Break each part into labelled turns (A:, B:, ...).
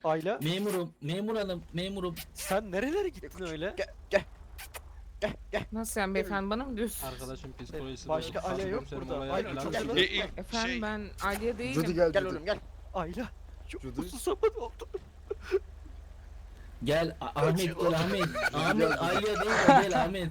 A: Ayla
B: Memurum, memur hanım, memurum.
A: sen nerelere gittin öyle?
C: Nasıl yani beyefendi, bana mı diyorsun?
D: Arkadaşın psikolojisi
A: Başka
D: bozuk.
A: Alya yok
D: Komiserim
A: burada.
D: olaya
A: Ayla
D: falan
A: çok
D: geldi.
A: acele.
C: Efendim ben Aliye
E: Judy
C: değilim.
E: gel
F: Gel
E: Judy.
F: oğlum gel.
A: Ayla çok
E: Judy.
A: uzun zaman oldu.
B: Gel Ahmet, gel Ahmet. Ahmet,
E: Gel.
B: Ayla değil de gel Ahmet.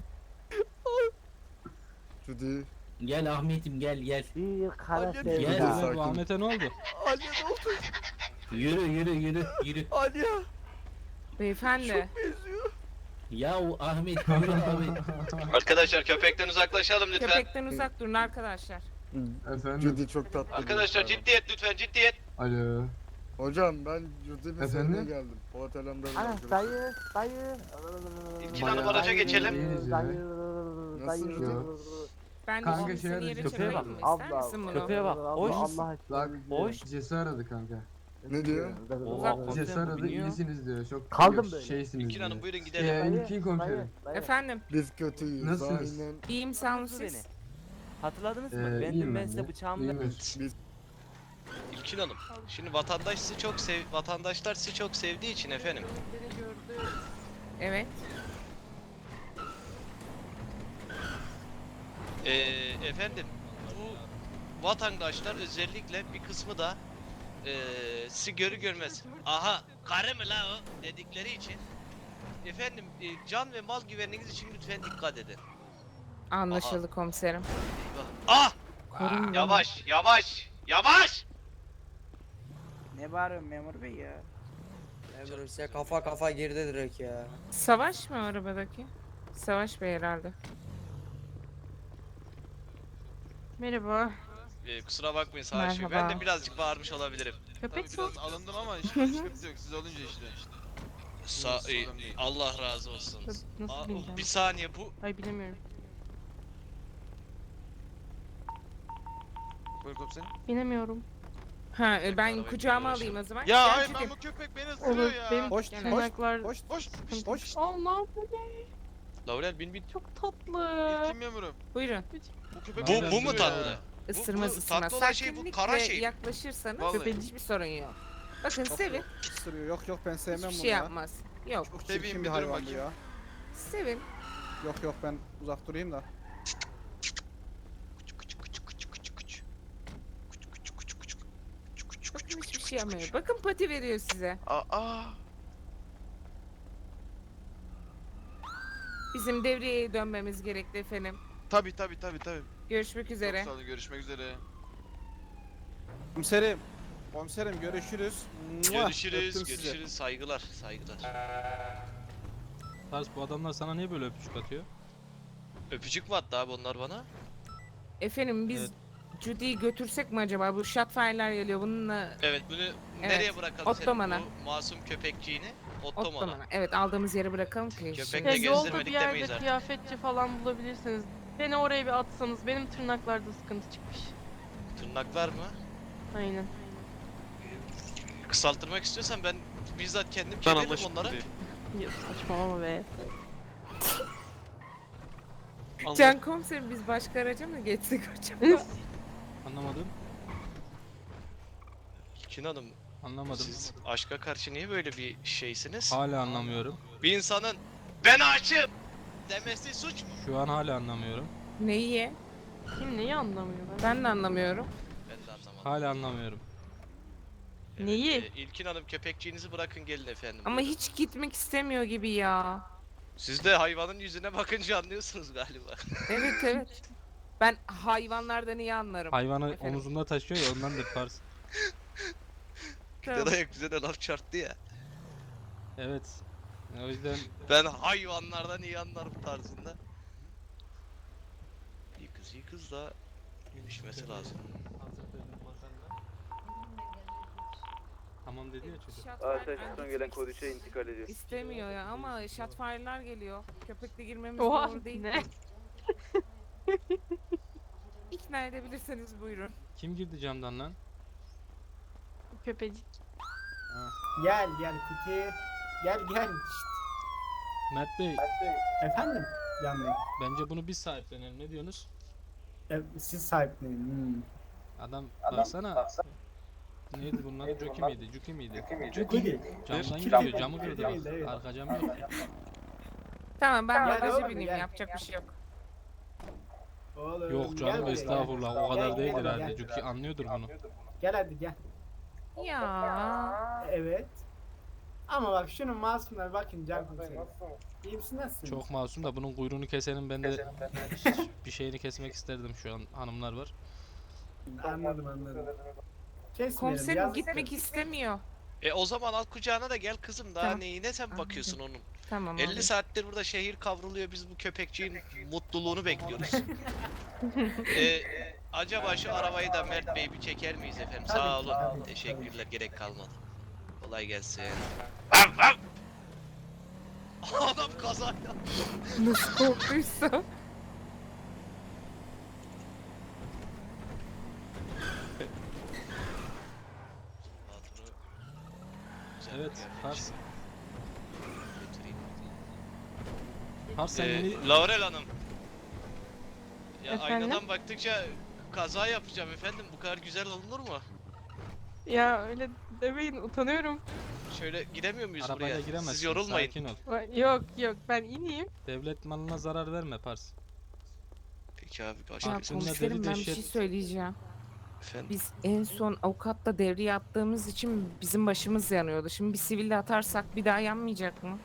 E: Judy.
B: Gel Ahmet'im, gel gel.
F: Bir kara
A: Gel.
D: Gel
B: Gel.
D: lan,
E: Sakin.
D: bu Ahmet'e ne oldu?
A: Alya ne oldu?
B: Yürü yürü yürü yürü.
A: Alya
C: Beyefendi.
A: benziyor.
B: Yahu Ahmet, yürü Ahmet.
G: Arkadaşlar köpekten uzaklaşalım lütfen.
C: Köpekten uzak durun arkadaşlar.
H: Efendim?
E: Judy çok tatlı.
G: Arkadaşlar ciddiyet lütfen ciddiyet.
H: Alo.
E: Hocam ben Judy
H: Efendim?
E: mesleğine geldim. Polat Alemdar'ın
F: Ana
E: arkadaşı.
F: dayı.
G: İlkin Hanım araca geçelim.
H: İyiyiz ya.
E: Nasıl Judy?
C: Ben de
H: Kanka
C: şimdi
H: şey
C: seni yere
H: arayacağım.
C: çekeyim mi? İster
F: Abla,
C: misin bunu?
A: köpeğe bak. Hoş.
F: Allah aşkına.
H: Bak
A: Hoş.
H: Cesi aradı kanka.
E: Ne diyor?
C: Uzak
H: Cesi
A: Komiserim,
H: aradı
A: biniyor.
H: iyisiniz diyor. Çok
F: Kaldım böyle.
H: şeysiniz
G: İlkin
H: diyor.
G: Hanım buyurun gidelim.
H: İlkin komiserim.
C: Efendim,
E: Biz kötüyüz.
H: Nasılsınız?
E: Aynen.
C: iyiyim sağ olun
I: Hatırladınız
C: siz.
I: beni. Hatırladınız mı? Ben
H: İyiyim
I: dün ben
H: ben
I: size
H: de.
I: bıçağımı
H: İyiyim.
I: vermiştim.
G: İlkin Hanım. Şimdi vatandaşlar sizi çok sevdiği için efendim.
C: Evet.
G: Efendim bu vatandaşlar özellikle bir kısmı da sizi görür görmez. Aha karı mı la o dedikleri için. Efendim can ve mal güvenliğiniz için lütfen dikkat edin.
C: Anlaşıldı komiserim.
G: Ah!
C: Korun beni.
G: Yavaş yavaş yavaş!
F: Ne bağırıyorsun memur bey ya?
I: Memurum size kafa girdi direkt ya.
C: Savaş mı arabadaki? Savaş Bey herhalde. Merhaba.
G: Kusura bakmayın Savaş Bey. Ben
C: Merhaba.
G: de birazcık bağırmış olabilirim.
C: Köpek
J: Biraz alındım ama hiçbir sıkıntı yok. Siz olunca işte.
G: Allah razı olsun.
C: Nasıl bileceğim?
G: Bir saniye bu
C: Ay bilemiyorum.
J: Buyur komiserim.
C: Bilemiyorum. Ha ben
G: Arabayı
C: kucağıma
G: kullanıyorum.
C: alayım o zaman.
J: Ya
C: Gel
J: hayır
C: Judy.
J: ben bu köpek beni ısırıyor ya.
A: Hoş
C: Yani
A: hoş
C: ayaklar-
A: hoş
J: Hoş.
A: hoş.
C: Allah
G: Laurel bin
C: çok tatlı.
J: İlkin memurum.
C: Buyurun.
J: Bu köpek
G: Bu
J: beni
G: mu
J: ısırıyor ya.
G: tatlı?
C: Isırmaz ısırmaz.
G: tatlı olan şey bu,
C: Sakinlikle
G: kara şey.
C: yaklaşırsanız
J: Vallahi.
C: hiçbir sorun yok. Bakın sevin.
A: Isırıyor. Yok yok ben sevmem
C: Hiçbir
A: bunu
C: şey
A: ya.
C: yapmaz. Yok.
A: Çok
J: Seveyim,
A: çirkin
J: bir
A: bir
J: durun
A: hayvan bu
J: bakayım.
A: ya.
C: Sevin.
A: Yok yok ben uzak durayım da.
C: Bakın hiçbir şey yapmıyor. Bakın pati veriyor size.
J: Aa.
C: Bizim devreye dönmemiz gerekli efendim.
J: Tabi.
C: Görüşmek üzere.
J: Çok sağ olun görüşmek üzere.
A: Komiserim. Komiserim görüşürüz. Mua!
G: Görüşürüz,
A: Öptüm sizi.
G: görüşürüz. Saygılar, saygılar.
D: Tars bu adamlar sana niye böyle öpücük atıyor?
G: Öpücük mü attı abi onlar bana?
C: Efendim biz
D: Evet.
C: Judy'yi götürsek mi acaba? Bu Shotfire'lar geliyor bununla
G: Evet, bunu nereye bırakalım
C: Ottoman'a.
G: senin bu masum köpekçiğini? Ottoman'a.
C: Ottoman'a. Evet aldığımız yere bırakalım ki.
G: Köpek
C: şimdi-
G: de
K: Ya yolda
G: gezdirmedik
K: bir
G: demeyiz
K: yerde
G: artık.
K: kıyafetçi falan bulabilirsiniz. Beni oraya bir atsanız. Benim tırnaklarda sıkıntı çıkmış.
G: Tırnaklar mı?
K: Aynen.
G: Kısaltırmak istiyorsan ben bizzat kendim keserim onlara.
K: Ya saçmalama be.
C: Can komiserim biz başka araca mı geçsek acaba?
D: Anlamadım.
G: İlkin Hanım,
D: Anlamadım.
G: siz aşka karşı niye böyle bir şeysiniz?
D: Hala anlamıyorum.
G: Bir insanın ben aşığım demesi suç mu?
D: Şu an hala anlamıyorum.
C: Neyi?
K: Kim neyi anlamıyor ben?
C: Ben de anlamıyorum.
G: Ben de anlamadım.
D: Hala anlamıyorum.
K: Neyi?
G: İlkin Hanım köpekçiğinizi bırakın gelin efendim.
C: Ama
G: Buyurun.
C: hiç gitmek istemiyor gibi ya.
G: Siz de hayvanın yüzüne bakınca anlıyorsunuz galiba.
C: Evet evet. Ben hayvanlardan iyi anlarım.
D: Hayvanı
C: Efendim?
D: omuzunda taşıyor ya ondandır Tars.
C: Tamam.
G: Dayak bize de laf çarptı ya.
D: Evet. O yüzden
G: Ben hayvanlardan iyi anlarım tarzında. İyi kız da yürüşmesi lazım.
D: tamam dedi ya çocuk.
C: Shotfire
F: gelen kod 3'e intikal ediyor.
C: İstemiyor ya ama Shotfire'lar geliyor. Köpekle girmemiz
K: Oha
C: doğru değil.
K: ne?
C: İkna edebilirseniz buyurun.
D: Kim girdi camdan lan?
K: Köpecik.
F: Gel Kuti. Gel.
D: Mert Bey,
F: Efendim? Yani
D: bence bunu biz sahiplenelim. Ne diyorsunuz?
F: siz sahiplenin.
D: Adam baksana. Neydi bunun adı? Jockey miydi? Juki miydi?
L: Juki.
D: Camdan gidiyor. Camı kırdı bak.
L: Evet.
D: Arka cam yok ki.
C: Tamam ben
L: Gel
C: bagaja
L: oğlum,
C: bineyim
L: gel.
C: yapacak bir şey yok.
L: Oğlum,
D: Yok
L: gel
D: canım
L: buraya,
D: estağfurullah.
L: gel.
D: O kadar
L: Gel,
D: değil
L: gel,
D: herhalde.
L: gel.
D: Juki anlıyordur bunu.
L: Gel hadi gel.
C: Ya.
L: Evet. Ama bak şunun masumuna bakın can komiserim. İyi misin nasılsın?
D: Çok masum da bunun kuyruğunu kesenin ben de bir şeyini kesmek isterdim şu an hanımlar var.
L: Anladım. Kesmeyelim.
C: Komiserim
L: yazık.
C: gitmek istemiyor.
G: O zaman al kucağına da gel kızım. Daha
C: Tamam.
G: neyine sen bakıyorsun onun?
C: Tamam
G: 50
C: abi.
G: saattir burada şehir kavruluyor. Biz bu köpekçiğin mutluluğunu bekliyoruz. Acaba şu arabayı da Mert Bey bir çeker miyiz efendim?
L: Tabii
G: Sağ
L: ki,
G: olun.
L: tabii ki,
G: Teşekkürler.
L: tabii
G: Gerek kalmadı. Kolay gelsin. Adam kaza yaptı.
C: Nasıl korktuysa.
D: Evet, Pars.
G: Götüreyim.
D: Pars sen yeni...
G: Laurel Hanım. Ya
K: Efendim?
G: aynadan baktıkça kaza yapacağım efendim. Bu kadar güzel olunur mu?
K: Ya öyle demeyin utanıyorum.
G: Şöyle giremiyor muyuz
D: Arabayla
G: buraya?
D: giremezsin.
G: Siz yorulmayın.
D: Sakin ol.
K: Yok ben ineyim.
D: Devlet malına zarar verme Pars.
G: Peki abi
C: Ya
G: başka
D: Aklımda
C: komiserim
D: deli
C: ben bir şey
D: dehşet-
C: söyleyeceğim.
G: efendim.
C: Biz en son avukatla devreye attığımız için bizim başımız yanıyordu. Şimdi bir siville atarsak bir daha yanmayacak mı?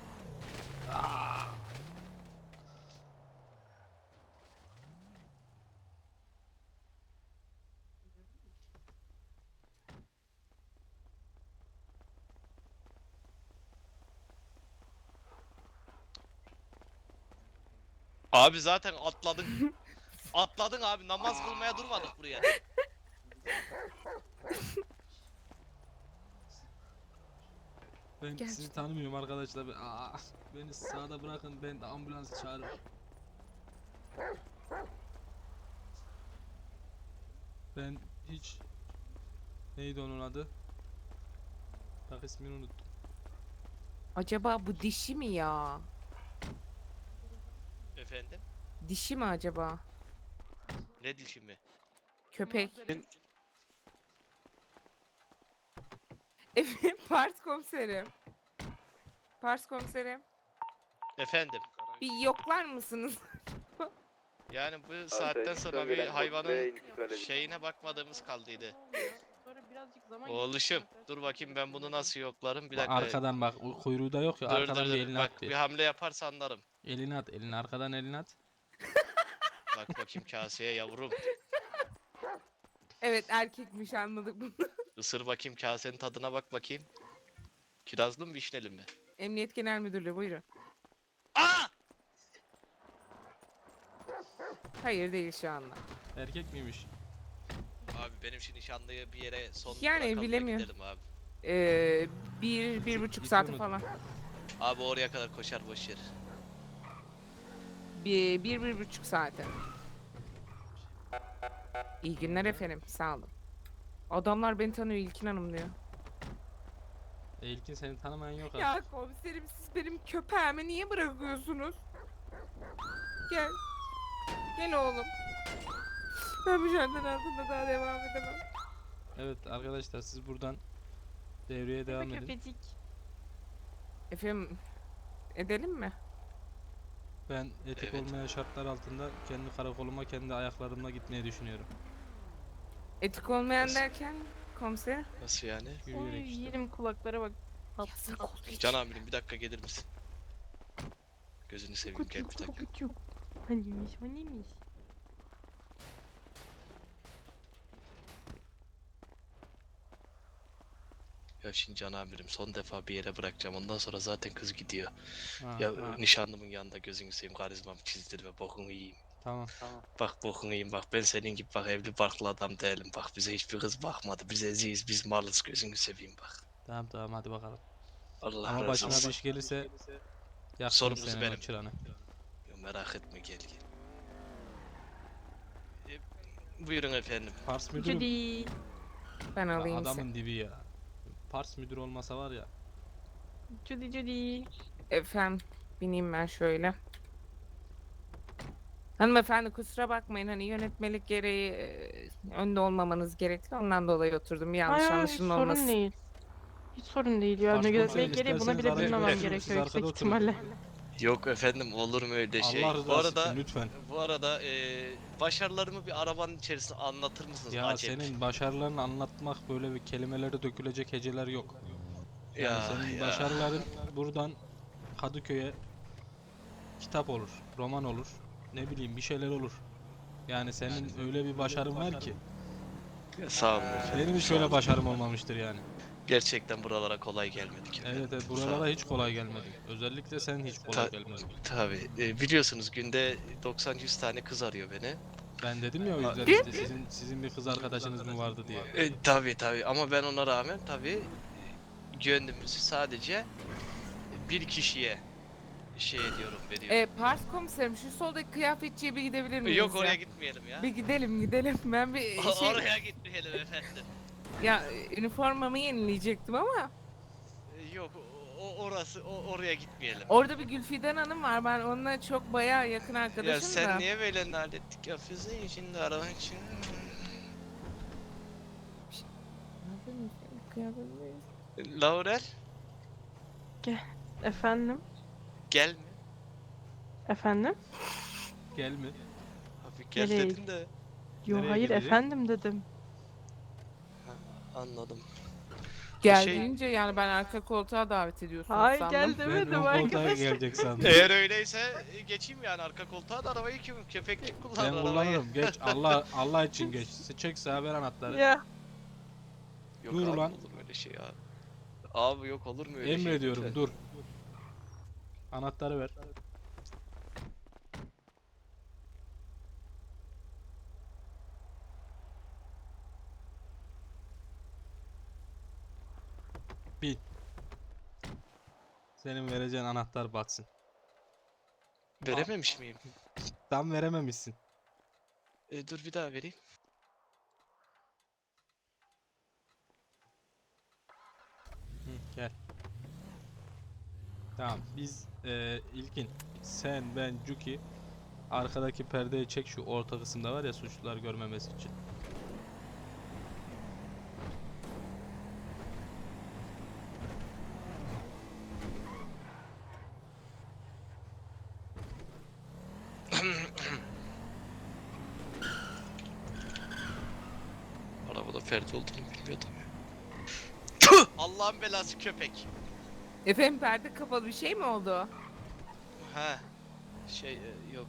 G: Abi zaten atladın. Atladın abi. Namaz kılmaya durmadık buraya.
D: Ben
C: Gel.
D: sizi tanımıyorum arkadaşlar. Beni sağda bırakın ben de ambulans çağırırım. Ben hiç... Neydi onun adı? Bak ismini unuttum.
C: Acaba bu dişi mi ya?
G: Efendim?
C: Dişi mi acaba?
G: Ne dişi mi?
C: Köpek. Evet, Pars komiserim. Pars komiserim.
G: Efendim?
C: Bir yoklar mısınız?
G: Yani bu saatten sonra bir hayvanın şeyine bakmadığımız kaldıydı.
K: Sonra birazcık zaman
G: Oğluşum dur bakayım ben bunu nasıl yoklarım bir
D: Bak
G: dakika.
D: arkadan bak o kuyruğu da yok ya
G: Dur
D: arkadan
G: dur
D: bir
G: dur
D: elini
G: bak
D: at
G: bir hamle yaparsa anlarım.
D: Elini at elini arkadan elini at.
G: Bak bakayım kaseye yavrum.
C: Evet erkekmiş anladık bunu.
G: Isır bakayım kasenin tadına bak bakayım. Kirazlı mı vişneli mi?
C: Emniyet Genel Müdürlüğü buyurun.
G: Aa!
C: Hayır değil şu anda.
D: Erkek miymiş?
G: Abi benim şu nişanlıyı bir yere son
C: Yani
G: bırakalım da
C: bilemiyorum.
G: gidelim abi.
C: Bir buçuk
D: Gidiyor
C: saati
D: mu?
C: falan.
G: Abi oraya kadar koşar boş yer.
C: Bir buçuk saate. İyi günler efendim. Sağ olun. Adamlar beni tanıyor İlkin Hanım diyor.
D: İlkin seni tanımayan yok
C: Ya
D: artık.
C: komiserim siz benim köpeğimi niye bırakıyorsunuz? Gel. Gel oğlum. Ben mücadele altında daha devam edemem.
D: Evet arkadaşlar siz buradan devreye devam edin.
K: Köpecik.
C: Efendim edelim mi?
D: Ben etik
G: Evet.
D: olmayan şartlar altında kendi karakoluma kendi ayaklarımla gitmeyi düşünüyorum.
C: Etik olmayan
G: Nasıl?
C: derken komiserim.
G: Nasıl yani?
K: Oy
D: Yürüyerek işte.
K: yerim kulaklara bak.
C: Yasak olduğu için.
G: Can amirim bir dakika gelir misin? Gözünü seveyim gel bir
K: Kucuk
G: dakika.
K: kucuk. Hanimiş hanimiş.
G: Ya şimdi Can amirim son defa bir yere bırakacağım ondan sonra zaten kız gidiyor.
D: Ha,
G: Ya
D: ha,
G: nişanlımın yanında gözünü seveyim karizmamı çizdirme bokunu yiyeyim.
D: tamam.
G: Bak bokunu yiyeyim bak ben senin gibi bak evli barklı adam değilim bak bize hiçbir kız bakmadı biz eziyiz biz malız gözünü seveyim bak.
D: Tamam hadi bakalım.
G: Allah
D: Ama
G: razı
D: başına
G: olsun.
D: bir iş gelirse yaktım
G: Sorumlusu
D: senin
G: benim.
D: o çıranı.
G: Ya merak etme gel gel. Buyurun efendim.
D: Pars müdürüm.
K: Judy.
C: Ben
D: Ya
C: alayım seni.
D: adamın dibi ya. Pars müdür olmasa var ya.
K: Judy.
C: Efendim bineyim ben şöyle. Hanımefendi kusura bakmayın hani yönetmelik gereği önde olmamanız gerekli. Ondan dolayı oturdum. Bir yanlış
K: Hayır, hiç
C: anlaşılma
K: sorun
C: olmasın.
K: değil. Hiç sorun değil ya.
D: Başkomiserim,
K: Yönetmelik gereği buna
D: isterseniz
K: bile
D: araya
K: bilmemem
D: oturun, siz
K: gerekiyor yüksek
D: arkada oturun.
K: ihtimalle.
G: Yok efendim olur mu öyle şey?
D: Allah
G: Bu
D: rızası
G: arada
D: için lütfen.
G: başarılarımı bir arabanın içerisinde anlatır mısınız?
D: Ya
G: Acep?
D: senin başarılarını anlatmak böyle bir kelimelere dökülecek heceler yok. Yani
G: Ya,
D: senin
G: ya.
D: başarıların buradan Kadıköy'e kitap olur, roman olur, ne bileyim bir şeyler olur. Yani senin öyle bir başarın var ki.
G: Ya, sağ olun efendim.
D: Benim hiç öyle başarım olmamıştır yani.
G: Gerçekten buralara kolay gelmedik efendim.
D: Evet, evet
G: Sağ
D: buralara
G: olun.
D: hiç kolay gelmedin. Özellikle sen hiç kolay
G: Ta-
D: gelmedin.
G: Tabii biliyorsunuz günde 90-100 tane kız arıyor beni.
D: Ben dedim ya o yüzden
G: Aa,
D: işte sizin bir kız arkadaşınız mı vardı diye.
G: Tabii ama ben ona rağmen tabii gönlümüzü sadece bir kişiye şey ediyorum, veriyorum.
C: Pars komiserim şu soldaki kıyafetçiye bir gidebilir miyiz
G: Yok
C: ya?
G: oraya gitmeyelim ya.
C: Bir gidelim. Ben bir şey...
G: Oraya gitmeyelim efendim.
C: Ya üniformamı yenileyecektim ama
G: Yok oraya gitmeyelim.
C: orada bir Gülfiden Hanım var. Ben onunla çok bayağı yakın arkadaşım
G: Ya sen
C: da.
G: niye böyle naletlik yapıyorsun şimdi araban için? Laurel
K: Efendim?
G: gel mi?
K: Efendim?
D: Gel mi?
G: Abi gel
K: Nereye?
G: dedin de
K: Yo
D: Nereye
K: hayır
D: gelecek?
K: efendim dedim.
G: anladım.
C: Gel
G: Şey-
C: deyince yani ben arka koltuğa davet ediyorsun
K: Hayır
C: sandım.
K: gel
D: Ben
K: demedim
D: ön koltuğa
K: arkadaşlar.
D: gelecek sandım.
G: Eğer öyleyse geçeyim yani arka koltuğa da arabayı köpeklik
D: Ben
G: kullanır arabayı.
D: kullanırım. Geç Allah için geç. Çek sağa ver anahtarı.
K: Ya
G: Yok
D: Dur
G: abi,
D: ulan.
G: olur mu öyle şey abi? Abi yok olur mu öyle şey?
D: Emrediyorum
G: lütfen?
D: dur. Anahtarı ver. Bin. Senin vereceğin anahtar batsın.
G: Verememiş miyim?
D: Tam verememişsin.
G: Dur bir daha vereyim.
D: Hı, gel. Tamam biz İlkin, sen, ben, Cuki arkadaki perdeyi çek şu orta kısımda var ya suçlular görmemesi için.
G: Arabada Ferdi olduğunu bilmiyordum. Tüh! Allah'ın belası köpek.
C: Efendim perde kapalı bir şey mi oldu?
G: Ha. Yok.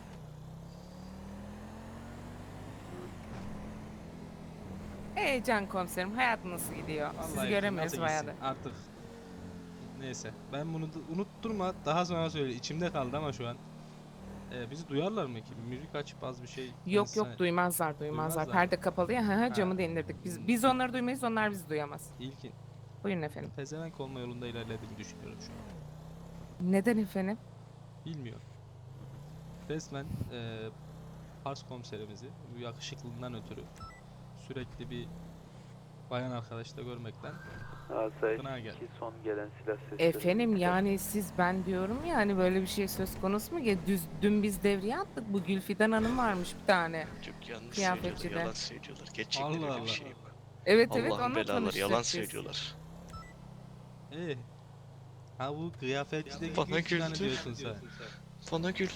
C: Can komiserim hayat nasıl gidiyor? Sizi
D: Vallahi
C: göremiyoruz
D: nasıl
C: bayağı
D: gitsin
C: da.
D: artık. Neyse ben bunu unutturma daha sonra söyle içimde kaldı ama şu an. Bizi duyarlar mı ki? Müzik açıp az bir şey.
C: Yok
D: konuşsana.
C: duymazlar.
D: Duymazlar.
C: Perde kapalı ya
D: Ha.
C: camı da indirdik. Biz onları duymayız onlar bizi duyamaz.
D: İlkin.
C: Buyurun efendim.
D: Pezevenk olma yolunda ilerlediğini düşünüyorum şu an.
C: Neden efendim?
D: Bilmiyorum. Resmen Pars komiserimizi bu yakışıklılığından ötürü sürekli bir bayan arkadaşla görmekten gına geldi.
M: son gelen silah sesleri.
C: Efendim yani ben diyorum ya hani böyle bir şey söz konusu mu? Dün biz devreye attık. Bu Gülfiden Hanım varmış bir tane.
G: Çok yanlış
C: Kıyafetçi
G: söylüyorlar,
C: de.
G: yalan söylüyorlar. Gerçekten
D: Allah
G: öyle
D: Allah.
G: bir şey yok.
C: Evet
G: Allah'ın
C: onunla
G: belaları
C: tanıştık
G: yalan
C: biz.
G: söylüyorlar.
D: Ha bu kıyafetçideki
G: Bana
D: Gülfidan'ı
G: güldü.
D: diyorsun sen.
G: Bana güldü.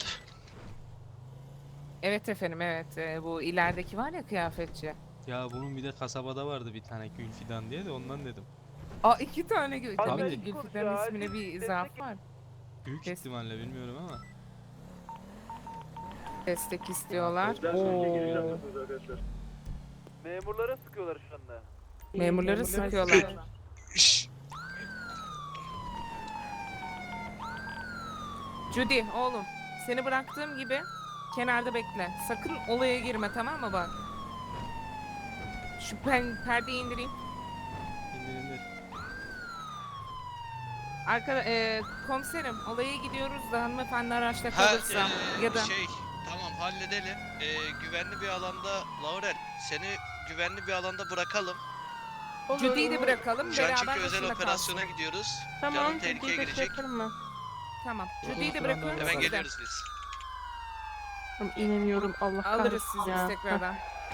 C: Evet efendim evet. Bu ilerideki var ya kıyafetçi.
D: Ya bunun bir de kasabada vardı bir tane Gülfidan diye de ondan dedim.
C: Aa 2 tane
D: Tabii.
C: Tabii ki Gülfidan'ın ismine bir zaaf var.
D: Büyük
C: Kes-
D: ihtimalle bilmiyorum ama.
C: Destek istiyorlar.
M: Memurlara sıkıyorlar şu anda.
C: Memurları sıkıyorlar.
G: Şşş.
C: Judy oğlum seni bıraktığım gibi kenarda bekle. Sakın olaya girme tamam mı bak. Şu perdeyi indireyim.
D: İndir.
C: Komiserim olaya gidiyoruz da hanımefendi araçta
G: Ha,
C: kalırsa ya da
G: tamam halledelim. Güvenli bir alanda Laurel seni güvenli bir alanda bırakalım.
C: Judy'yi de bırakalım
G: Şu an
C: beraber
G: çünkü özel
C: başında
G: operasyona
C: kalsın.
G: gidiyoruz.
K: Tamam
G: Canın tehlikeye
K: Judy'yi de
G: girecek.
K: bırakırım ben.
C: Tamam.
D: Tamam,
C: Judy'yi de
D: tamam,
C: bırakıyorum
D: tamam.
G: Hemen
C: siz de.
G: geliyoruz biz.
K: İnemiyorum Allah kahretsin
C: Alırız sizi
K: ya.
C: biz tekrardan.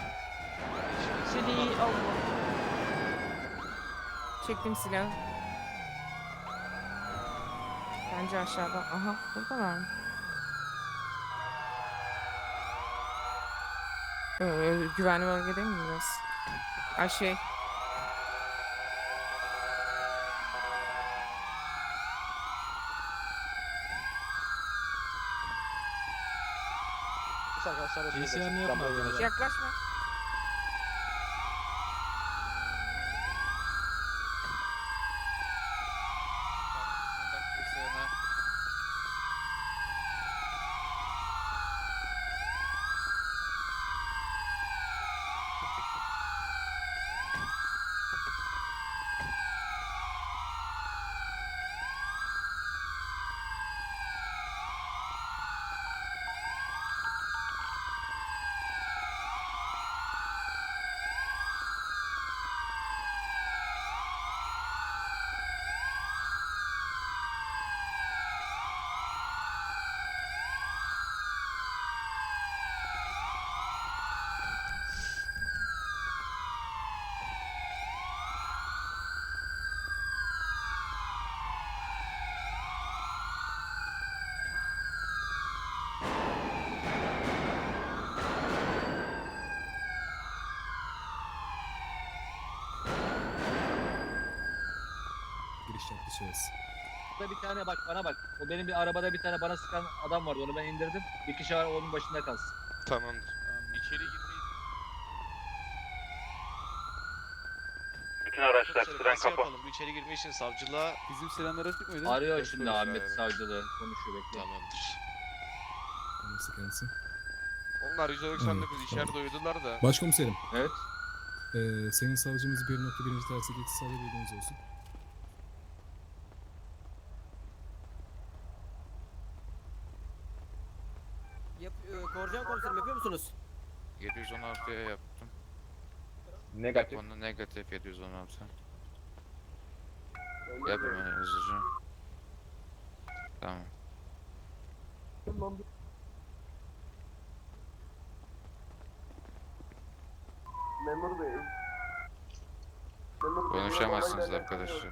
K: Seni Allah.
C: Çektim silahı. Bence aşağıda. Aha buradalar mı? Güvenli bölgede mi biraz? Ay şey.
D: GCR'ını yapma arkadaşlar.
C: Yaklaşma.
N: Giriş yaptı şahıs.
M: Burada bir tane bak bana bak. O benim bir arabada bir tane bana sıkan adam vardı. Onu ben indirdim. Bir kişi var onun başında kalsın.
J: Tamamdır. İçeri girmeyi...
M: Bütün
G: Nasıl yapalım? Bu içeri girme için savcılığa...
A: Bizim selamlar açık mıydı?
M: Arıyor şimdi Ahmet savcılığı. Konuşuyor bekle.
G: Tamamdır.
N: Nasıl kendisi?
J: Onlar 199 içeride uyudular da.
N: Başkomiserim.
M: Evet.
N: Sayın savcımız 1.1. tersi geçiş sağlığı bilginiz olsun.
I: Korcan komiserim yapıyor musunuz?
J: 716'ya yaptım.
M: Negatif.
J: Onu negatif 716. Yap hemen hızlıca. Tamam.
M: Memur bey.
J: Konuşamazsınız arkadaşlar.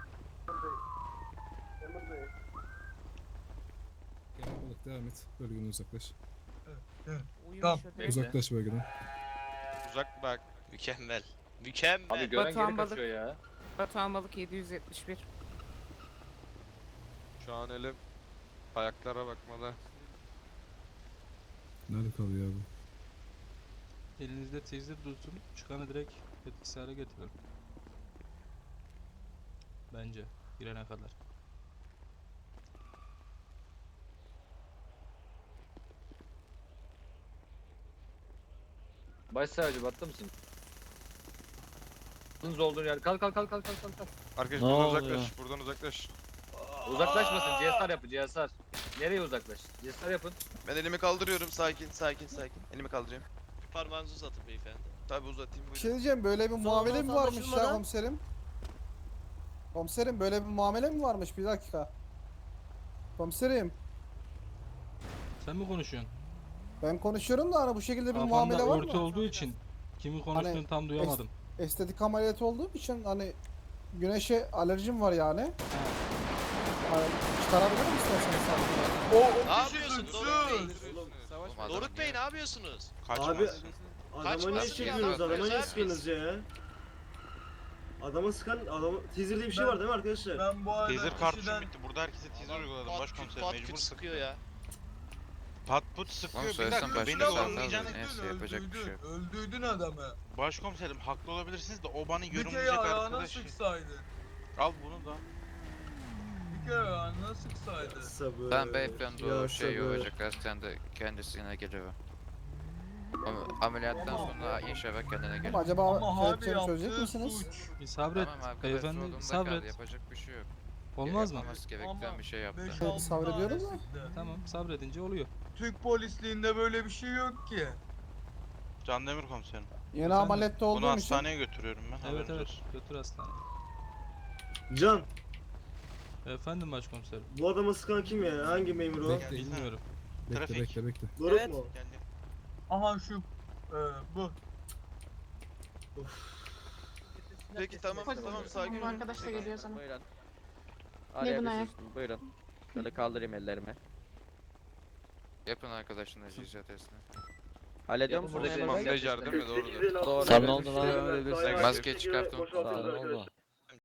N: Kemal Balık devam et. Bölgeden uzaklaş.
C: Tamam.
N: Uzaklaş bölgeden.
J: Uzak bak.
G: Mükemmel. Mükemmel.
M: Abi gören
C: Batuhan
M: geri
C: balık.
M: kaçıyor ya.
C: Batuhan Balık 771.
J: Şu an elim ayaklara bakmalı.
N: Nerede kalıyor abi?
D: Elinizde teaser tutun. Çıkanı direkt etkisiz hale getirin. Bence. Girene kadar.
M: Başsavcı battı mısın? Hızlı olduğun yer. Kalk.
J: Arkadaş
B: Ne
J: buradan
B: oluyor?
J: uzaklaş. Buradan uzaklaş.
M: Uzaklaşmasın. CSR yapın CSR. Nereye uzaklaş? CSR yapın.
J: Ben elimi kaldırıyorum. Sakin. Elimi kaldırayım.
G: Bir parmağınızı uzatın beyefendi.
J: Tabi uzatayım.
A: Bir şey diyeceğim, böyle bir muamele mi varmış ya komiserim? Komiserim böyle bir muamele mi varmış? Bir dakika. Komiserim
D: Sen mi konuşuyorsun?
A: ben konuşuyorum da hani bu şekilde bir
D: Kafamda
A: muamele var
D: örtü
A: mı?
D: olduğu için kimin konuştuğunu
A: Hani
D: tam duyamadım.
A: Estetik ameliyatı olduğum için hani güneşe alerjim var yani. Hani çıkarabilir misin sen?
G: Ne yapıyorsun Doruk Bey? Doruk Bey ne yapıyorsunuz?
J: Abi
G: Adama ne çekiyorsunuz? Adama ne sıkıyorsunuz
M: ya? Adama sıkan teaser diye bir şey var değil mi arkadaşlar?
J: Ben bu arada teaser kartuşum bitti. Burada herkese teaser uyguladım. Başkomiserim mecbur
G: sıkıyor ya.
J: Pat put sıkıyor. Bir dakika beni sormayacağını neyse yapacak bir şey yok.
M: Öldürdün adamı.
J: Başkomiserim haklı olabilirsiniz de o bana
M: Bir kere
J: yorumlayacak
M: ayağına
J: arkadaşı.
M: sıksaydın.
J: Al bunu da.
M: Bir kere ayağına sıksaydın. Sabır.
E: Ben beyefendi o şey olacak hastanede kendisine geliyor. Ameliyattan sonra inşallah kendine gelir.
A: Acaba kelepçemi çözecek misiniz?
D: Bir sabret
E: Tamam arkadaş
D: beyefendi
E: yolunda kaldı,
D: sabret.
E: yapacak bir şey yok.
D: Olmaz mı?
E: Yapmaması gereken bir şey yaptı.
A: Evet, sabrediyorum da.
D: Tamam sabredince oluyor.
M: Türk polisliğinde böyle bir şey yok ki.
J: Can Demir komiserim.
A: Yeni ameliyatta
J: Bunu
A: olduğum için.
J: hastaneye götürüyorum ben.
D: Evet
J: haberiniz
D: evet
J: olsun.
D: götür hastaneye.
M: Can,
D: Efendim başkomiserim.
M: bu adama sıkan kim ya? Hangi memur o?
N: Bekle.
D: Bilmiyorum.
N: Bekle
J: Trafik.
N: bekle bekle.
L: Doruk
F: Evet.
L: mu?
J: Geldim.
M: Aha şu bu.
J: Peki tamam tamam sakin ol.
K: Arkadaş da geliyor sana.
I: Buyurun.
K: Ne buna ya?
I: Buyurun. Şöyle kaldırayım ellerimi.
E: Yapın arkadaşın icra testini.
I: Hallediyor
M: Yapın
I: musunuz?
M: buradaki
I: memur bey?
J: Montaj yardım ya doğrudur.
I: Doğru.
E: Sana ne
I: oldu lan?
E: Maske çıkartın.
I: Sağ olun.